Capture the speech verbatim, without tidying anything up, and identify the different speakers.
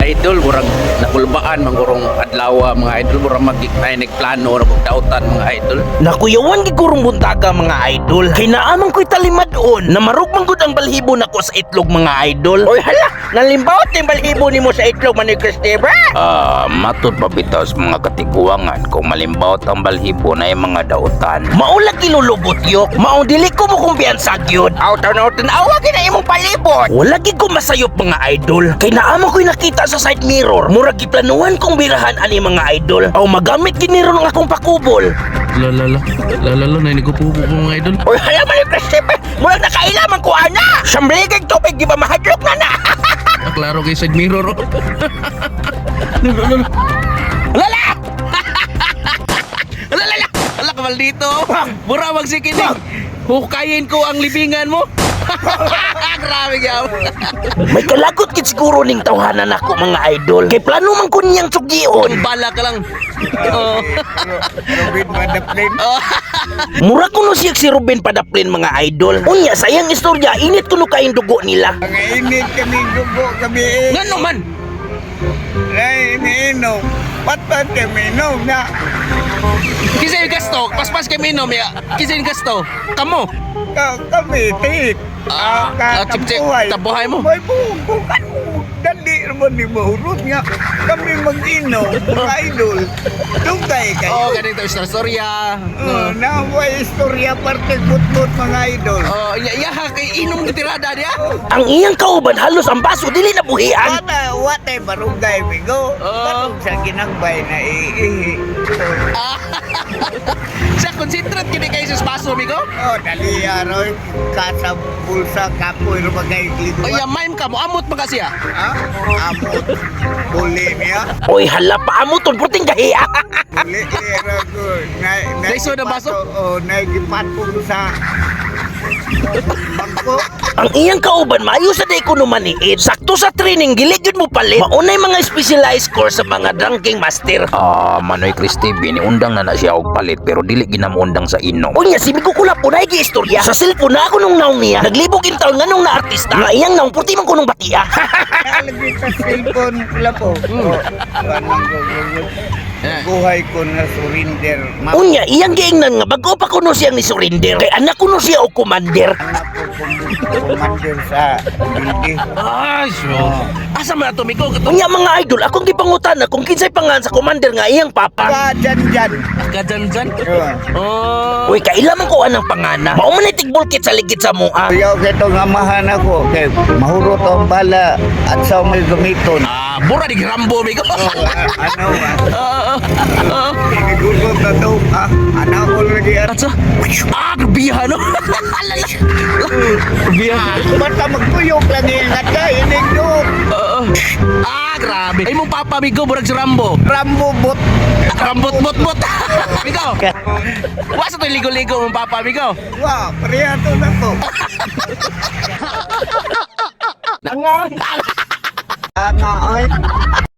Speaker 1: idol murag nakulbaan mangurong adlaw mga idol murag magikay nagplano na pagdautan mga idol.
Speaker 2: Nakuyawan gigurong buntaga mga idol. Kay naaman ko'y talimadon na marugmang gud ang balhibo nako sa itlog mga idol. Oy hala, nalimbawat yung balhibo nimo sa itlog man ni Christopher.
Speaker 3: Ah, matod pabitas mga katiguangan kung malimbawt ang balhibo na yung mga dautan.
Speaker 2: Maulag ilulubot yok. Maong dili ko mo kumpiyansa gyud. Aw-taw-taw awag na imong palibot. Wala gid ko masayop mga idol. Kay naaman ko'y nakita sa side mirror. Murag giplanuhan kong birahan ani mga idol. Aw magamit gid ni ron ang akong pakubol.
Speaker 1: Lalala, lalala na ini ko po po mga idol.
Speaker 2: Oy hala man yung Christopher. Murag nakailaman ko ana. Sambligig tubig di ba mahadlok na na.
Speaker 1: Ah, klaro kay side mirror.
Speaker 2: Lala!
Speaker 1: Lalala, ala ka maldito. Mura magsikinig. Hukayin ko ang libingan mo. Grabe gyud.
Speaker 2: May kalagot gid siguro ning tawhanan ako mga idol. Kay plano man ko niyang sugion.
Speaker 1: Bala ka lang. Oh.
Speaker 4: Robin Madaplin.
Speaker 2: Mura ko no siya si Ruben Padaplin mga idol. Unya sayang istorya init kuno kain dugo nila.
Speaker 4: Ang init kami gubo kami eh.
Speaker 1: Ngano man?
Speaker 4: Ay, iniinom. Patpat kami inom na.
Speaker 1: Kisay gasto, paspas kay minom ya. Kisay gasto. Kamo.
Speaker 4: Ka, kami, tit.
Speaker 1: Ah, ah, chip-chip, tabuhay mo.
Speaker 4: May bukan mo. Dali naman ni mahurot nga. Kami mag-inom, mga idol. Dugay kayo.
Speaker 1: Oh, ganito istorya storya.
Speaker 4: Oh, na may istorya parte gut-gut mga idol.
Speaker 1: Oh, iya iya kay inom di tirada dia.
Speaker 2: Ang iyang kauban halos ang baso dili na buhian.
Speaker 4: Wata, wata barungay bigo.
Speaker 1: Oh.
Speaker 4: Tanong sa ginagbay na iihi.
Speaker 1: Ah. Sa concentrate kini kay sus baso migo.
Speaker 4: Oh, dali aroy. Kasa bulsa kapoy rumagay
Speaker 1: Oh,
Speaker 4: gliduan.
Speaker 1: ya mime ka mo amot pa kasi ah.
Speaker 4: Ha? Amot. Buli niya.
Speaker 2: Oy hala pa amo ton puting gahiya.
Speaker 4: Buli niya ko. Na, na,
Speaker 1: Naiso na baso?
Speaker 4: Oh, naigipatong sa bangko.
Speaker 2: Ang iyang kauban maayo sa day ko numaniid. Sakto sa training gili gyud mo palit. Maunay mga specialized course sa mga drinking master.
Speaker 3: Ah, Manoy Cristi, undang na na siya og palit pero dili ginamundang sa inom.
Speaker 2: Unya si Migo Kulap po na istorya. Sa cellphone na ako nung naong niya. Naglibog in taon nga nung na artista. Nga iyang naong puti man ko nung batia.
Speaker 4: Nalagay sa cellphone lapo. Oh, anong gugulo. Buhay ko na surrender. Ma-
Speaker 2: Unya iyang giingnan nga bago pa kuno siyang ni surrender. Kay anak kuno siya og commander.
Speaker 4: anak ko kung commander sa hindi.
Speaker 1: Ay, so. Asa man ato migo?
Speaker 2: Unya mga idol, akong gipangutan na kung kinsay pangan sa commander nga iyang papa.
Speaker 4: Ka dyan dyan.
Speaker 1: Kajan-jan.
Speaker 4: Oh.
Speaker 1: Oh.
Speaker 2: Uy, kailan man ko anang pangana. Mao man tigbulkit sa ligid sa mua.
Speaker 4: Ayaw kito nga mahan ako. Kay mahurot ang bala at sa may gamiton.
Speaker 1: Ah, bura di Rambo migo.
Speaker 4: Oh, a- ano ba?
Speaker 1: Ah, ah.
Speaker 4: Pinigulog na to. Ah, anak ko lagi at
Speaker 1: Atsa. Ah, grabiha no. Alay. Grabiha.
Speaker 4: basta magpuyok lagi nga tayo. Inigdok.
Speaker 1: Ah, ah, grabe. Ay mo papa migo burag si Rambo.
Speaker 4: Rambo bot.
Speaker 1: Rambot bot bot. Migo. Wasa to ligo-ligo mo papa migo.
Speaker 4: Wow, priyato na to. Tanga, oy.